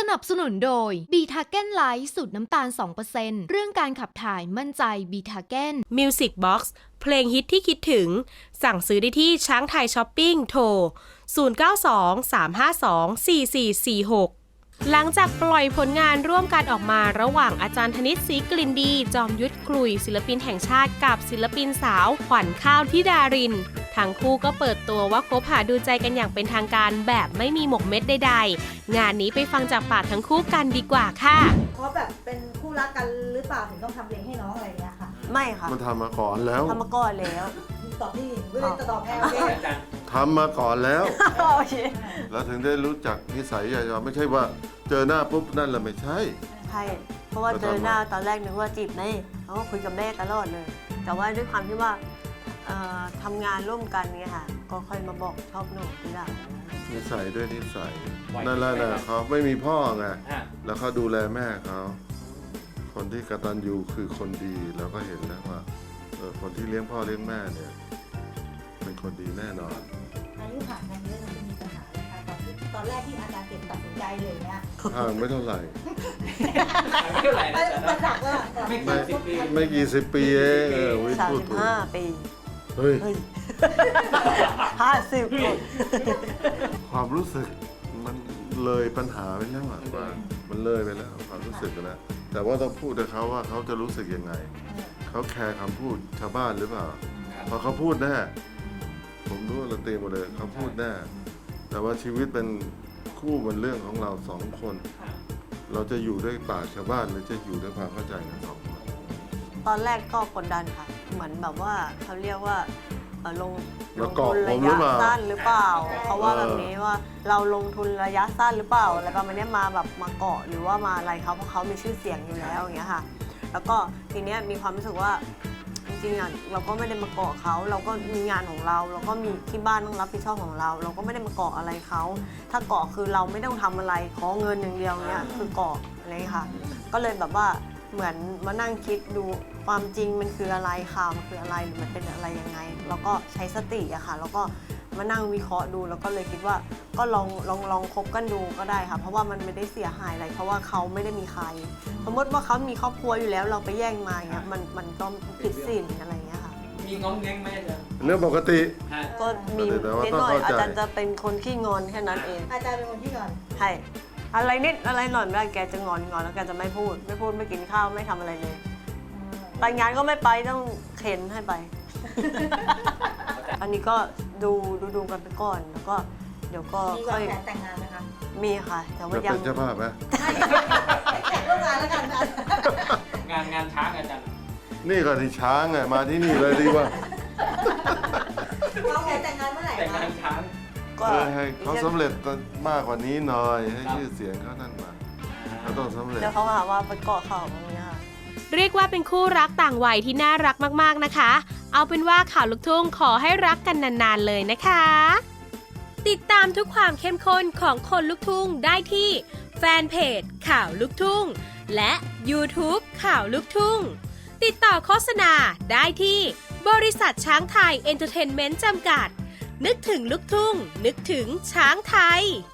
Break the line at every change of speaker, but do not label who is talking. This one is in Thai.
นับสนุนโดยบีทาเก้นไลท์สูตรน้ำตาล 2% เรื่องการขับถ่ายมั่นใจบีทาเก้น
Music Box เพลงฮิตที่คิดถึงสั่งซื้อได้ที่ช้างไทยช้อปปิ้งโทร 0923524446 หลังจากปล่อยผลงานร่วมกันออกมาระหว่างอาจารย์ธนิต ศรีกลิ่นดี จอมยุทธกลุยศิลปินแห่งชาติกับศิลปินสาวขวัญข้าวธิดารินทั้งคู่ก็เปิดตัวว่าคบหาดูใจกันอย่างเป็นทางการแบบไม่มีหมกเม็ดใดๆงานนี้ไปฟังจากปากทั้งคู่กันดีกว่าค่ะ
เพราะแบบเป็นคู่รักกันหรือเปล่าถึงต้องทำเพลงให้น้องอะไรอย่างเงี้ยค่ะ
ไม่ค่ะ
มันทำมาก่อนแล้ว
ทำมาก่อนแล้ว
ตอบที่ไม่ได้จะตอบแค่โอเค
ทำมาก่อนแล้ว
โอเค
แล้วถึงได้รู้จักนิสัยใจคอไม่ใช่ว่าเจอหน้าปุ๊บนั่นแหละไม่ใช่
ใช่เพราะว่าเจอหน้าตอนแรกนึกว่าจีบแม่เขาก็คุยกับแม่ตลอดเลย แต่ว่าด้วยความที่ว่าทำงานร่วมกันเนี่ยค่ะก็ค่อยมาบอกชอบหนูทีหลัง
นิสัยด้วยนิสัยนั่นแหละนะเขาไม่มีพ่อไงแล้วเขาดูแลแม่เขาคนที่กตัญญูคือคนดีเราก็เห็นแล้วว่าคนที่เลี้ยงพ่อเลี้ยงแม่เนี่ยเป็นคนดีแน่นอน
อายุห่างกันเยอะมันมีปัญหาอะไรคะตอนแรกที่อาจารย์เก็บตัดสินใจเลยเนี่ย
ห่างไม่เท่าไหร่
ไม่เท่าไหร่มันหนักว่า
ไม่กี่สิบปีเอง
35 ปี
เฮ้ย
50
ความรู้สึกมันเลยปัญหาไปแล้วอ่ะมันเลยไปแล้วความรู้สึกนะแต่ว่าต้องพูดกับเขาว่าเขาจะรู้สึกยังไงเขาแคร์คำพูดชาวบ้านหรือเปล่าพอเขาพูดแน่ผมรู้เราเตรียมหมดเลยเขาพูดแน่แต่ว่าชีวิตเป็นคู่เป็นเรื่องของเราสองคนเราจะอยู่ด้วยปากชาวบ้านหรือจะอยู่ด้วยความเข้าใจกันสองคน
ตอนแรกก็กดดันค่ะเหมือนแบบว่าเขาเรียกว่าลง
ทุน
ระยะสั้นหรือเปล่าเขาว่าแบบนี้ว่าเราลงทุนระยะสั้นหรือเปล่าอะไรประมาณนี้มาแบบมาเกาะหรือว่ามาอะไรเขาเพราะเขามีชื่อเสียงอยู่แล้วอย่างเงี้ยค่ะแล้วก็ทีเนี้ยมีความรู้สึกว่าจริงๆอ่ะเราก็ไม่ได้มาเกาะเขาเราก็มีงานของเราเราก็มีที่บ้านต้องรับผิดชอบของเราเราก็ไม่ได้มาเกาะอะไรเขาถ้าเกาะคือเราไม่ต้องทำอะไรขอเงินอย่างเดียวเนี้ยคือเกาะอะไรค่ะก็เลยแบบว่าเหมือนมานั่งคิดดูความจริงมันคืออะไรข่าวมันคืออะไรหรือมันเป็นอะไรยังไงแล้วก็ใช้สติอะค่ะแล้วก็มานั่งวิเคราะห์ดูแล้วก็เลยคิดว่าก็ลองคบกันดูก็ได้ค่ะเพราะว่ามันไม่ได้เสียหายอะไรเพราะว่าเขาไม่ได้มีใครสมมติว่าเขามีครอบครัวอยู่แล้วเราไปแย่งมาเงี้ยมันก็ผิดศีลอะไรเงี้ยค่ะ
มีง้องแง้งไหมอาจารย์
เรื่องปกติ
ก็มีนิดหน่อยอาจารย์จะเป็นคนขี้งอนแค่นั้นเอง
อาจารย์เป็นคนขี้งอน
ใช่อะไรนิดอะไรหน่อยไม่ได้แกจะงอนแล้วแกจะไม่พูดไม่กินข้าวไม่ทำอะไรเลยไปงานก็ไม่ไปต้องเข็นให้ไป อันนี้ก็ดูกันไปก่อนแล้วก็เดี๋ยวก็
ค่อยแต่งงานนะคะ
มีค่ะแต่ว่ายัง
เป็นเจ้าภาพไหม
แต่งร่วมงานแล้วกัน
งานช้างอาจารย์
นี่ก็ที่ช้างไงมาที่นี่เลยดีกว่า
เขาแต่งงานเมื่อไหร่
แต่งงานช้าง
ก็ให้เขาสำเร็จมากกว่านี้หน่อยให้ชื่อเสียงเขานั่นมาเขาต้องสำเร็จ
เดี๋ยวเขาหาว่าไปเกาะเขาอย่างเงี้ย
เรียกว่าเป็นคู่รักต่างวัยที่น่ารักมากๆนะคะเอาเป็นว่าข่าวลูกทุ่งขอให้รักกันนานๆเลยนะคะติดตามทุกความเข้มข้นของคนลูกทุ่งได้ที่แฟนเพจข่าวลูกทุ่งและ YouTube ข่าวลูกทุ่งติดต่อโฆษณาได้ที่บริษัทช้างไทยเอนเตอร์เทนเมนต์จำกัดนึกถึงลูกทุ่งนึกถึงช้างไทย